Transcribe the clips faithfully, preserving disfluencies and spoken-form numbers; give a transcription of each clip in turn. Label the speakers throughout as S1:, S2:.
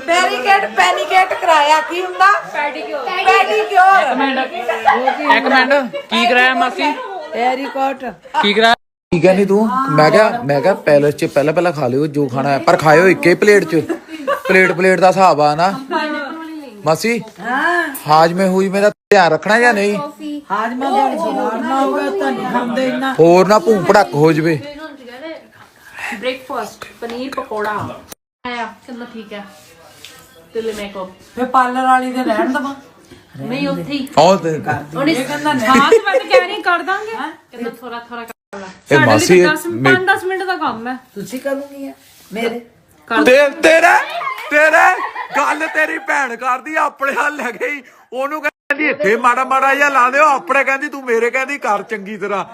S1: ਪੈਰੀਕੇਟ ਪੈਨੀਕੇਟ ਕਰਾਇਆ ਕੀ ਹੁੰਦਾ ਪੈਡੀਕਿਉਰ ਪੈਡੀਕਿਉਰ
S2: ਇੱਕ ਮਿੰਟ ਇੱਕ ਮਿੰਟ ਕੀ ਕਰਾਇਆ ਮਾਸੀ
S1: ਪੈਰੀਕੋਟ
S2: ਕੀ ਕਰਾਇਆ
S3: ਠੀਕ ਹੈ ਨਹੀਂ ਤੂੰ ਮੈਂ ਕਿਹਾ ਮੈਂ ਕਿਹਾ ਪੈਲਸ 'ਚ ਪਹਿਲਾਂ ਪਹਿਲਾਂ ਖਾ ਲਿਓ ਜੋ ਖਾਣਾ ਹੈ ਪਰ ਖਾਇਓ ਇੱਕੇ ਪਲੇਟ 'ਚ ਪਲੇਟ ਪਲੇਟ ਦਾ ਹਿਸਾਬ ਆ ਨਾ ਮਾਸੀ
S1: ਹਾਂ
S3: ਹਾਜਮੇ ਹੂਜਮੇ ਦਾ ਧਿਆਨ ਰੱਖਣਾ ਜਾਂ ਨਹੀਂ
S1: ਹਾਜਮਾ ਦਾ ਨਾ ਹੋਵੇ ਤਾਂ ਨਹੀਂ ਖਾਂਦੇ ਇੰਨਾ
S3: ਹੋਰ ਨਾ ਭੂੰ ਭੜਕ ਹੋ ਜਵੇ
S4: ब्रेकफास्ट पनीर पकौड़ा आया कितना ठीक है दिल मेकअप
S1: ਫੇ ਪਾਰਲਰ ਵਾਲੀ ਦੇ ਰਹਿਣ ਦਵਾ
S4: नहीं ਉੱਥੇ ਹੀ
S3: ਉਹ ਤੇ
S4: ਉਹਨੇ
S1: ਕਹਿੰਦਾ ਨਹੀਂ
S4: ਹਾਂ ਤੇ ਮੈਂ ਤਾਂ ਕਹਿ ਰਹੀ ਕਰ ਦਾਂਗੇ ਕਹਿੰਦਾ ਥੋੜਾ ਥੋੜਾ ਕਰ ਲਾ
S3: ਇਹ ਮਾਸੀ
S4: ਪੰਜ ਦਸ ਮਿੰਟ ਦਾ ਕੰਮ ਹੈ
S1: ਤੁਸੀਂ ਕਰੂੰਗੀ ਆ ਮੇਰੇ
S3: ਤੇ ਤੇਰਾ ਤੇਰਾ ਗੱਲ ਤੇਰੀ ਭੈਣ ਕਰਦੀ ਆਪਣੇ ਹੱਲ ਲੈ ਗਈ ਉਹਨੂੰ ਕਹਿੰਦੀ ਇੱਥੇ ਮਾੜਾ ਮਾੜਾ ਜਿਹਾ ਲਾ ਦਿਓ ਆਪਣੇ ਕਹਿੰਦੀ ਤੂੰ ਮੇਰੇ ਕਹਿੰਦੀ ਕਰ ਚੰਗੀ ਤਰ੍ਹਾਂ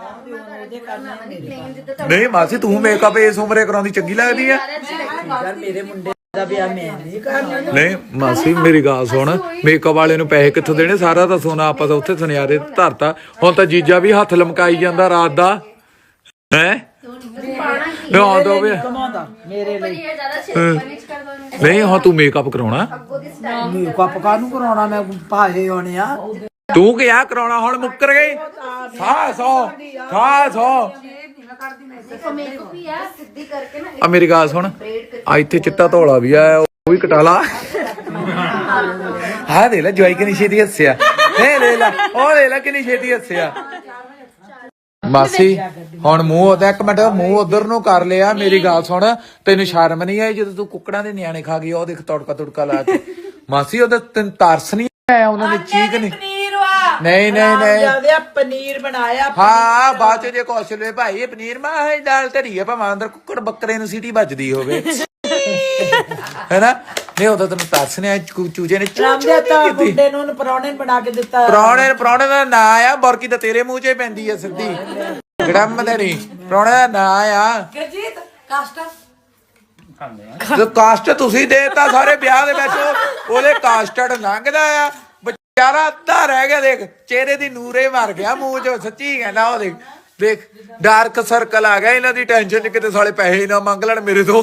S3: ਨਹੀਂ ਮਾਸੀ ਤੂੰ ਮੇਕਅਪ ਇਸ ਉਮਰੇ ਕਰਾਉਂਦੀ ਚੰਗੀ ਲੱਗਦੀ ਹੈ
S1: ਯਾਰ ਮੇਰੇ ਮੁੰਡੇ ਦਾ ਵਿਆਹ ਮੈਂ ਨਹੀਂ ਕਰਨਾ
S3: ਨਹੀਂ ਮਾਸੀ ਮੇਰੀ ਗੱਲ ਸੁਣ ਮੇਕਅਪ ਵਾਲੇ ਨੂੰ ਪੈਸੇ ਕਿੱਥੋਂ ਦੇਣੇ ਸਾਰਾ ਤਾਂ ਸੋਨਾ ਆਪਾਂ ਤਾਂ ਉੱਥੇ ਸੁਨਿਆਰੇ ਧਰਤਾ ਹੁਣ ਤਾਂ ਜੀਜਾ ਵੀ ਹੱਥ ਲਮਕਾਈ ਜਾਂਦਾ ਰਾਤ ਦਾ ਹੈ ਨਾ ਦੋ ਵੇ
S1: ਕਮਾਉਂਦਾ ਮੇਰੇ ਲਈ
S3: ਨਹੀਂ ਹਾਂ ਤੂੰ ਮੇਕਅਪ ਕਰਾਉਣਾ
S1: ਮੇਕਅਪ ਕਾਹਨੂੰ ਕਰਾਉਣਾ ਮੈਂ ਭਾਜੇ ਹੋਣੇ ਆ
S3: ਤੂੰ ਕਿਹਾ ਕਰਾਉਣਾ ਹੁਣ ਮੁੱਕਰ ਗਈ ਖਾ ਸੋ ਖਾ ਸੋ ਆ ਮੇਰੀ ਗੱਲ ਸੁਣ ਆ ਇੱਥੇ ਚਿੱਟਾ ਧੌਲਾ ਵੀ ਆਇਆ ਉਹ ਵੀ ਕਟਾ ਲਾ ਹਾਂ ਦੇ ਲੈ ਜਵਾਈ ਕਿੰਨੀ ਛੇਤੀ ਹੱਸਿਆ ਇਹ ਲੈ ਲੈ ਉਹ ਲੈ ਲੈ ਕਿੰਨੀ ਛੇਤੀ ਹੱਸਿਆ ਮਾਸੀ ਹੁਣ ਮੂੰਹ ਉਹਦਾ ਇੱਕ ਮਿੰਟ ਮੂੰਹ ਉਧਰ ਨੂੰ ਕਰ ਲਿਆ ਮੇਰੀ ਗੱਲ ਸੁਣ ਤੈਨੂੰ ਸ਼ਰਮ ਨਹੀਂ ਆਈ ਜਦੋਂ ਤੂੰ ਕੁੱਕੜਾਂ ਦੇ ਨਿਆਣੇ ਖਾ ਗਈ ਉਹ ਦੇਖ ਤੜਕਾ ਤੁੜਕਾ ਲਾ ਕੇ ਮਾਸੀ ਉਹਦਾ ਤੈਨੂੰ ਤਰਸ ਨਹੀਂ ਆਇਆ ਉਹਨਾਂ ਦੀ ਚੀਕ ਨਹੀਂ
S1: ਪਨੀਰ ਵਾ
S3: ਨਹੀਂ ਨਹੀਂ ਨਹੀਂ
S1: ਜਿਆਦਾ ਪਨੀਰ ਬਣਾਇਆ
S3: ਹਾਂ ਬਾਅਦ ਚ ਜੇ ਕੁਛ ਲੈ ਭਾਈ ਇਹ ਪਨੀਰ ਮਾਂ ਇਹ ਦਾਲ ਧਰੀ ਆ ਭਾਵੇਂ ਅੰਦਰ ਕੁੱਕੜ ਬੱਕਰੇ ਨੂੰ ਸੀਟੀ ਵੱਜਦੀ ਹੋਵੇ ਹੈਨਾ ਨਹੀਂ ਉਹਦਾ ਤੈਨੂੰ ਤਰਸ ਨਹੀਂ ਆਇਆ ਚੂਜੇ ਨੇ
S1: ਰਾਮਦੇ ਤਾਂ ਮੁੰਡੇ ਨੂੰ ਪਰੌਣੇ ਬਣਾ ਕੇ ਦਿੱਤਾ
S3: ਪ੍ਰਾਹੁਣੇ ਪ੍ਰਾਹੁਣੇ ਦਾ ਨਾਂ ਆ ਬਰਕੀ ਤਾਂ ਤੇਰੇ ਮੂੰਹ 'ਚ ਪੈਂਦੀ ਆ ਸਿੱਧੀ ਗੜਮ ਦੇ ਨਹੀਂ ਪ੍ਰਾਹੁਣੇ ਦਾ ਨਾਂ ਆ
S1: ਗਰਜੀਤ ਕਾਸਟਾ
S3: ਤੇ ਕਾਸਟ ਤੁਸੀਂ ਦੇਤਾ ਸਾਰੇ ਵਿਆਹ ਦੇ ਵਿੱਚ ਉਹਦੇ ਕਾਸਟਡ ਲੰਘਦਾ ਆ ਵਿਚਾਰਾ ਅੱਧਾ ਰਹਿ ਗਿਆ ਦੇਖ ਚਿਹਰੇ ਦੀ ਨੂਰੇ ਮਰ ਗਿਆ ਮੂੰਹ 'ਚ ਸੱਚੀ ਕਹਿੰਦਾ ਉਹ ਦੇਖ ਦੇਖ ਡਾਰਕ ਸਰਕਲ ਆ ਗਿਆ ਇਹਨਾਂ ਦੀ ਟੈਨਸ਼ਨ 'ਚ ਕਿਤੇ ਸਾਲੇ ਪੈਸੇ ਨਾ ਮੰਗ ਲੈਣ ਮੇਰੇ ਤੋਂ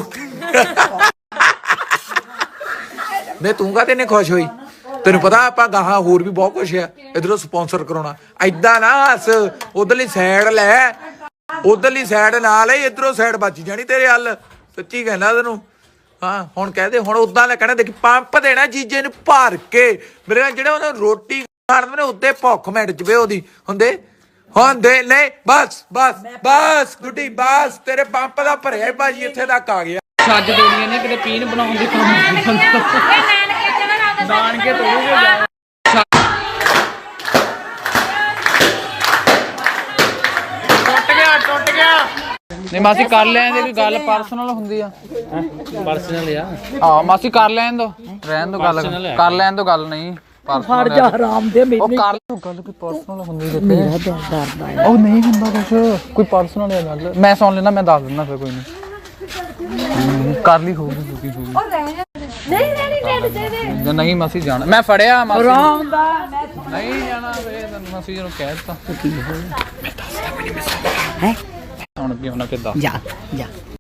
S3: ਨਹੀਂ ਤੂੰ ਕਾਹਤੇ ਨੇ ਖੁਸ਼ ਹੋਈ ਤੈਨੂੰ ਪਤਾ ਆਪਾਂ ਗਾਹਾਂ ਹੋਰ ਵੀ ਬਹੁਤ ਕੁਛ ਆ ਇਧਰੋਂ ਸਪਾਂਸਰ ਕਰਾਉਣਾ ਏਦਾਂ ਨਾ ਹੱਸ ਉਧਰਲੀ ਸਾਈਡ ਲੈ ਉਧਰਲੀ ਸਾਈਡ ਨਾ ਲੈ ਇਧਰੋਂ ਸਾਈਡ ਬਚ ਜਾਣੀ ਤੇਰੇ ਹੱਲ ਸੱਚੀ ਕਹਿੰਦਾ ਤੈਨੂੰ ਹਾਂ ਹੁਣ ਕਹਦੇ ਹੁਣ ਉਦਾਂ ਲੈ ਕਹਿਣਾ ਦੇਖੀ ਪੰਪ ਦੇਣਾ ਜੀਜੇ ਨੂੰ ਭਰ ਕੇ ਮੇਰੇ ਨਾਲ ਜਿਹੜੇ ਉਹਨਾਂ ਰੋਟੀ ਖਾਣ ਦੇ ਉੱਤੇ ਭੁੱਖ ਮਿਟ ਜਵੇ ਉਹਦੀ ਹੁੰਦੇ ਹੁੰਦੇ ਨਹੀਂ ਬਸ ਬਸ ਬਸ ਗੁੱਡੀ ਬਸ ਤੇਰੇ ਪੰਪ ਦਾ ਭਰਿਆ ਭਾਜੀ ਇੱਥੇ ਤੱਕ ਆ ਗਿਆ
S2: ਛੱਜ ਦੇਣੀਆਂ ਨੇ ਕਿਤੇ ਪੀਣ ਬਣਾਉਣ ਦੀ ਕੰਮ ਨਾਨਕੇ ਤੋੜੂਗੇ ਟੁੱਟ ਗਿਆ ਟੁੱਟ ਗਿਆ ਨਹੀਂ ਮਾਸੀ ਕਰ ਲੈਣ ਦੇ ਕੋਈ ਗੱਲ ਪਰਸਨਲ ਹੁੰਦੀ ਆ
S5: ਪਰਸਨਲ ਆ
S2: ਹਾਂ ਮਾਸੀ ਕਰ ਲੈਣ ਦੋ ਰਹਿਣ ਦੋ ਗੱਲ ਕਰ ਲੈਣ ਦੋ ਗੱਲ ਨਹੀਂ
S1: ਫੜ ਜਾ ਆਰਾਮ ਦੇ
S2: ਉਹ ਕਰ ਲਓ ਗੱਲ ਕੋਈ ਪਰਸਨਲ ਹੁੰਦੀ ਤੇ ਮੇਰਾ ਡਰਦਾ ਉਹ ਨਹੀਂ ਹੁੰਦਾ ਕੁਛ ਕੋਈ ਪਰਸਨਲ ਹੈ ਗੱਲ ਮੈਂ ਸੁਣ ਲੈਣਾ ਮੈਂ ਦੱਸ ਦਿੰਦਾ ਫਿਰ ਕੋਈ ਨਹੀਂ ਕਰ ਲਈ ਹੋਊਗੀ ਦੁਖੀ ਹੋਊਗੀ ਨਹੀਂ ਨਹੀਂ ਨਹੀਂ ਨਹੀਂ ਮਾਸੀ ਜਾਣਾ ਮੈਂ ਫੜਿਆ ਮਾਸੀ
S1: ਆਰਾਮ ਦਾ
S2: ਨਹੀਂ ਜਾਣਾ ਵੇ ਤੈਨੂੰ ਮਾਸੀ ਨੂੰ ਕਹਿ ਦਿੱਤਾ ਕੀ ਹੋਇਆ ਮੈਂ ਦੱਸਦਾ ਵੀ ਨਹੀਂ ਮੈਂ ਹੈ ਹੁਣ ਕੀ ਹੋਣਾ ਕਿੱਦਾਂ
S1: ਜਾ ਜਾ